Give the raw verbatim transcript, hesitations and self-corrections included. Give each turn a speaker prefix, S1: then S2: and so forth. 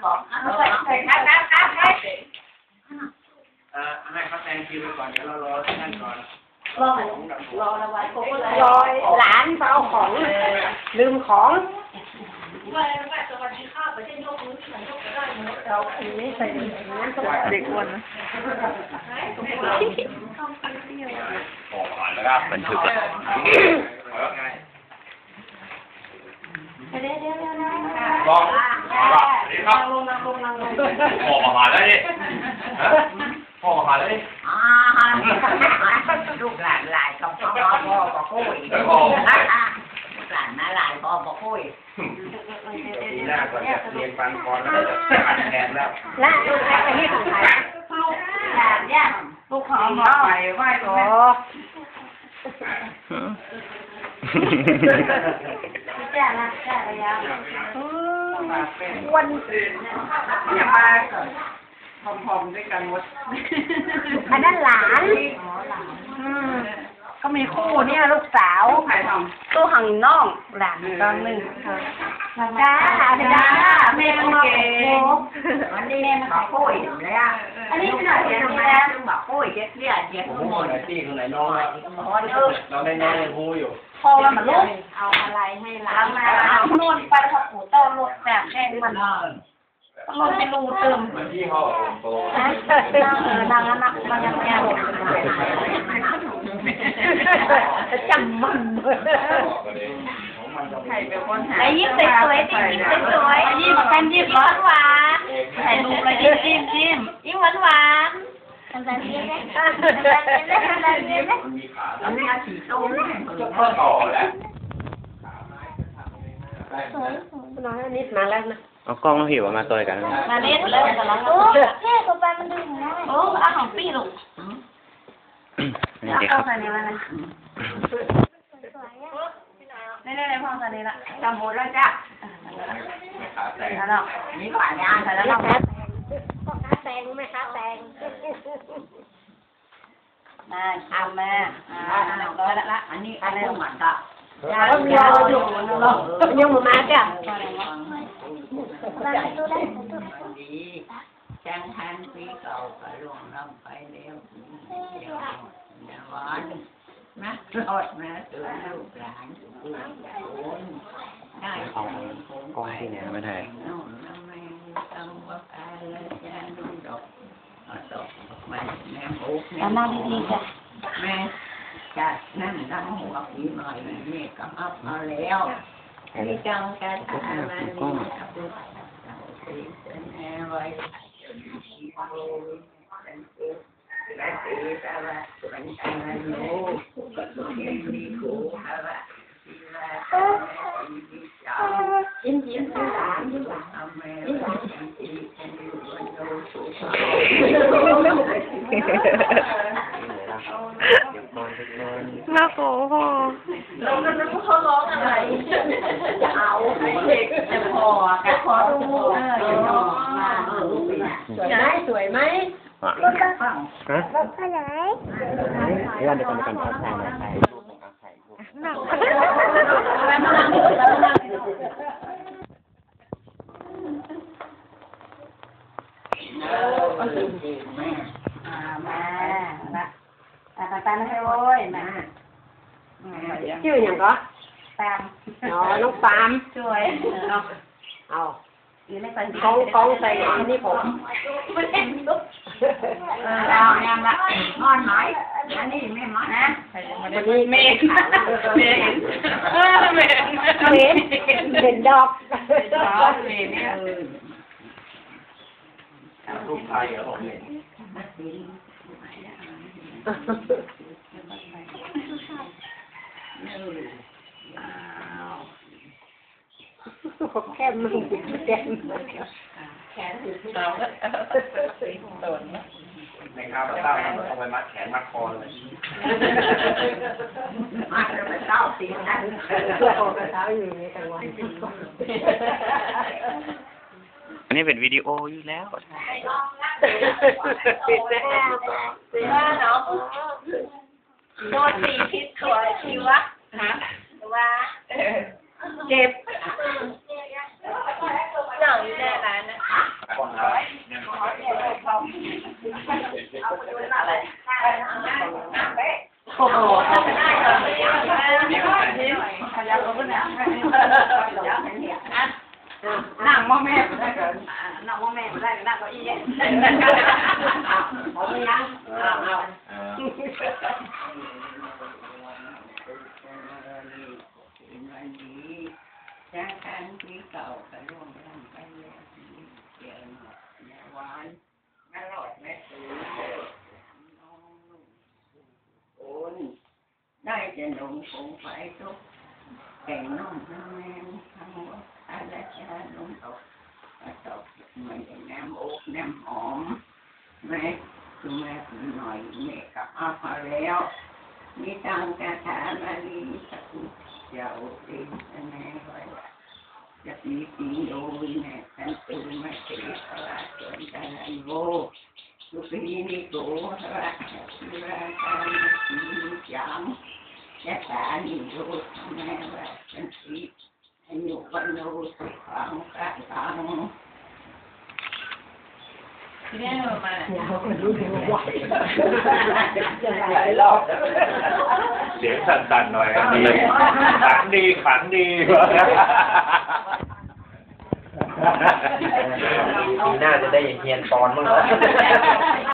S1: ของใส่ใส่ครับครับครับครับ
S2: เอ่อให้เขาแซงคิวไปก่อนเดี๋ยวเรารอท่านก่อน
S1: รอรอระบายรอหลานเอาของลืมของสวัสดีค่ะประเทศยกมือฉันยกได้หมดเราอันนี้ใส่เด็กอ้วนนะ
S3: บันทึกอะ
S2: ลองดีครับ
S1: ลงนั่งลงนั่งลง
S2: พ่อมาแล้วดิพ่อมาแล้วดิ
S1: อ่าลูกหลานหลายกับพ่อพ่อบอกคุยลูกหลานนะหลายพ่อบอกคุย
S2: ปีหน้าก่อนจะเรียนฟังก่อนแล้วจะอัดแทนแล้ว
S1: และลูกแม่ที่ของใครลูกหลานย่าลูกของพ่อไปไหว้ตัวจ้านะจ้าระยะวันอย่ามาพร้อมๆด้วยกันหมดอันนั้นหลานก็มีคู่เนี่ยลูกสาวตู้หังน้องหลานตอนหนึ่งจ้าจ้าแม่มาเก๋วันนี้แม่มาคุยเลยอ่ะอันนี้ขนาดเดียวนะมาคุยเจ๊เจ๊เจ๊
S2: ผมมองไหนตีตรงไหนน้องเราได้น้องยังพูอยู่
S1: พอแล้วมันลูกเอาอะไรให้ร้านมาเอานวดไปพอปูโต้ลดแบบแห้งมันลดไปรูเติม
S2: มันที่ห้องโต
S1: นะเออดังนั้นนะมันยังแง่หมดจำมันไอ้ยิ้มสวยๆดิยิ้มสวยๆยิ้มกันยิ้มหวานหวานถ่ายรูปเลยยิ้มยิ้มยิ้มยิ้มหวานหวานทำแบบนี้เลยทำแบบนี้เลยทำแบบนี้เลยอันนี้สีส้ม
S2: จะเพิ่มต่อแหละ
S1: น้อยนิดมาแล้วนะ
S3: เอากล้องมาผิวมาตัวกัน
S1: มาเล่นเลยแต่ละโอ้แค่ตัวไปมันดึงได้โอ้อาของปีลูก
S3: นี่เด็ก
S1: เข้า
S3: ครับ
S1: ใส่ในวันนั้นนี่นี่ในพ่อใส่ในละจำหมดแล้วจ้ะแล้วเนาะนี่ก่อนย่างใส่แล้วเนาะพ่อค้าแตงไหมคะแตงมาทำมาอ่าร้อยละละอันนี้อะไรหวานก็ยาแล้วยาอยู่ยังหมดมาจ้ะจังทันปีเก่าก็ล่วงล้ำไปแล้วอย่าหวานนะรอดนะตัวลูกหลานทุกคนได้
S3: เอากล้องที่ไหนไม่ได้
S1: น้องน้ำแม่ต้องว่าการจะนุ่งดอกดอกไม้แม่โอ๊กแม่มาดีๆจ้ะแม่จะนั่นนั่งหัวปีหน่อยนี่ก็อัพมาแล้วที่จังการทำอะไรนี่ครับเป็นแอร์ไว้และตีตาละเป็นอะไรโน้ก็ต้องเห็นดีกูตาละยิ้มยิ้มยิ้มหลานยิ้มหลานยิ้มหลานน่าโกหกเราก็นึกว่าเขาร้องอะไรจะเอาเด็กจะพอแกพอรู้เออมาเออลูกสวยไหมสวยไหมรถกระบะรถอะไร
S3: เดี๋ยวเดี๋ยวกันกันถ่ายถ่ายรูปถ่ายรูป
S1: หนักแล้วมานั่งแล้วมานั่งโอ้ยแม่มาละตาตาไม่ให้โว้ยมาชื่ออย่างก็ปามอ๋อน้องปามช่วยเอาเอากองกองใส่อันนี้ผมไม่เห็นลูกเออเอาแอมละนอนหน่อยอันนี้แม่หมอนะวันนี้เมฆเมฆเออเมฆเมฆเป็นดอกดอกเมฆเนี่ย
S2: รูปไทยเหรอผมเนี่ย
S1: แค่มึงแค่แขนถือเราก็โดนนะ
S2: ในข้าวเต้าเอาไปมัดแขนมัดคอเลย
S1: มัดไปเต้าตีนั่นเพื่อเอากระเท้าอยู่ในกลางวัน
S3: อันนี้เป็นวิดีโออยู่แล้ว
S1: ปิดแล้วปิดแล้วเนาะโดนตีพิษตัวชีวะฮะว่าเจ็บหนังอยู่ในร้านนะโหนั่งมอแม่ไม่ได้กันนั่งมอแม่ไม่ได้กันนั่งเก้าอี้เอาไม่ยังเอาเอาจากการที่เก่าไปร่วมกันไปแล้วเกี่ยวกับหวานอร่อยแม่ตื่นน้องโอนได้จะหนุ่มคงไปทุกแต่งน้องทั้งแม่ทั้งหมดอะไรจะลงตกตกมันจะน้ำอกน้ำหอมแม่คือแม่หน่อยแม่ก็เอาพอแล้วมีตังกระถามาลีสักเจ้าตีแม่ไว้จะมีปีโดยแม่ฉันตื่นมาเสียสละจนกันโว้ทุกปีนี้โกสละที่ราการที่ยังจะตานี่โดแม่ว่าฉันสิให้อยู่วันโน้สิฟังกันฟังที่นี่มาเนี่ยเขาก็รู้ถึงไหวหลายรอบ
S4: เสียงสั่นๆหน่อยดีขังดีขังดี
S3: ปีหน้าจะได้เฮียนปอนมั้งเหรอ